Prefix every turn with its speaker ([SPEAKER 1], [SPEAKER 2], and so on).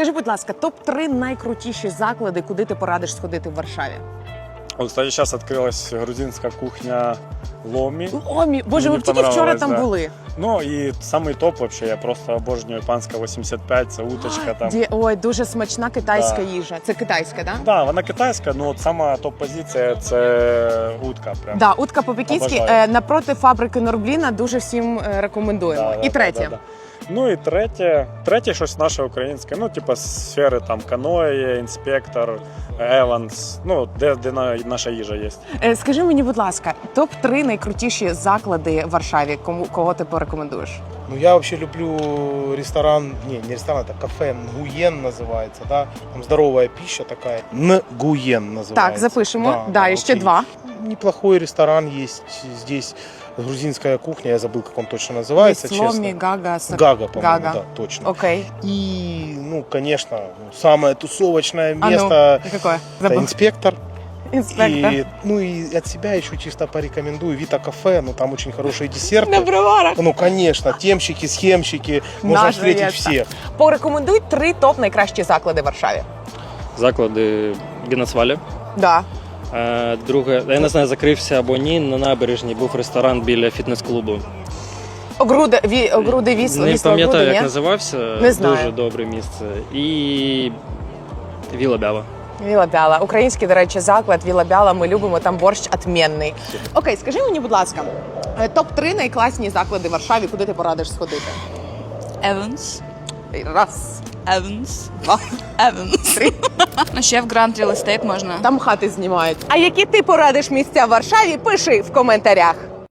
[SPEAKER 1] Скажи, будь ласка, топ-3 найкрутіші заклади, куди ти порадиш сходити в Варшаві?
[SPEAKER 2] Вот, кстати, сейчас открылась грузинская кухня Ломі.
[SPEAKER 1] Ломі, боже,
[SPEAKER 2] Мені
[SPEAKER 1] ви тільки вчора
[SPEAKER 2] понравилось,
[SPEAKER 1] там
[SPEAKER 2] да.
[SPEAKER 1] були.
[SPEAKER 2] Ну і самий топ вообще, я просто обожнюю панська 85, це уточка там.
[SPEAKER 1] Ой, дуже смачна китайська їжа. Це китайська, так?
[SPEAKER 2] Да, вона китайська, ну от сама топ-позиція це утка. Прям.
[SPEAKER 1] Да, утка по-пекінськи
[SPEAKER 2] Обожаю.
[SPEAKER 1] напроти фабрики Норбліна, дуже всім рекомендуємо. І третє.
[SPEAKER 2] Ну і третє щось наше українське, ну типу сфери там каноє, інспектор, Еванс, ну де наша їжа є.
[SPEAKER 1] Скажи мені, будь ласка, топ-3 найкрутіші заклади в Варшаві, кого ти порекомендуєш?
[SPEAKER 3] Ну, я вообще люблю ресторан, не ресторан, это кафе Нгуен называется, да, там здоровая пища такая, Нгуен называется.
[SPEAKER 1] Так, запишемо. Да, і ще
[SPEAKER 3] окей.
[SPEAKER 1] 2.
[SPEAKER 3] Неплохой ресторан есть здесь, грузинская кухня, я забыл, как он точно называется,
[SPEAKER 1] Ломі,
[SPEAKER 3] честно.
[SPEAKER 1] Гага,
[SPEAKER 3] Гага, по-моему,
[SPEAKER 1] Гага.
[SPEAKER 3] да, точно.
[SPEAKER 1] Окей.
[SPEAKER 3] И, ну, конечно, самое тусовочное
[SPEAKER 1] А
[SPEAKER 3] место,
[SPEAKER 1] ну, какое?
[SPEAKER 3] это
[SPEAKER 1] Забыл.
[SPEAKER 3] инспектор.
[SPEAKER 1] Інспектор.
[SPEAKER 3] И, ну и от себя еще чисто порекомендую Вита кафе, ну там очень хорошие десерты.
[SPEAKER 1] На броварах.
[SPEAKER 3] Ну, конечно, темщики, схемщики, можно
[SPEAKER 1] Наш
[SPEAKER 3] встретить
[SPEAKER 1] заезд.
[SPEAKER 3] всех.
[SPEAKER 1] Порекомендуй 3 топ найкращі заклади в Варшаві.
[SPEAKER 4] Заклади Генацвалі.
[SPEAKER 1] Да.
[SPEAKER 4] Друге, я не знаю, закрився або ні, на набережні був ресторан біля фітнес-клубу.
[SPEAKER 1] Огруди вісло.
[SPEAKER 4] Не пам'ятаю, як
[SPEAKER 1] ні?
[SPEAKER 4] називався.
[SPEAKER 1] Не знаю.
[SPEAKER 4] Дуже добре місце. І Віла Бяла.
[SPEAKER 1] Віла Бяла. Український, до речі, заклад Віла Бяла. Ми любимо, там борщ отмінний. Окей, скажи мені, будь ласка, топ-3 найкласні заклади в Варшаві, куди ти порадиш сходити?
[SPEAKER 5] Evans.
[SPEAKER 1] Раз,
[SPEAKER 5] Evans.
[SPEAKER 1] два,
[SPEAKER 5] Evans.
[SPEAKER 1] 3.
[SPEAKER 5] Ну, ще в Grand Real Estate можна.
[SPEAKER 1] Там хати знімають. А які ти порадиш місця в Варшаві, пиши в коментарях.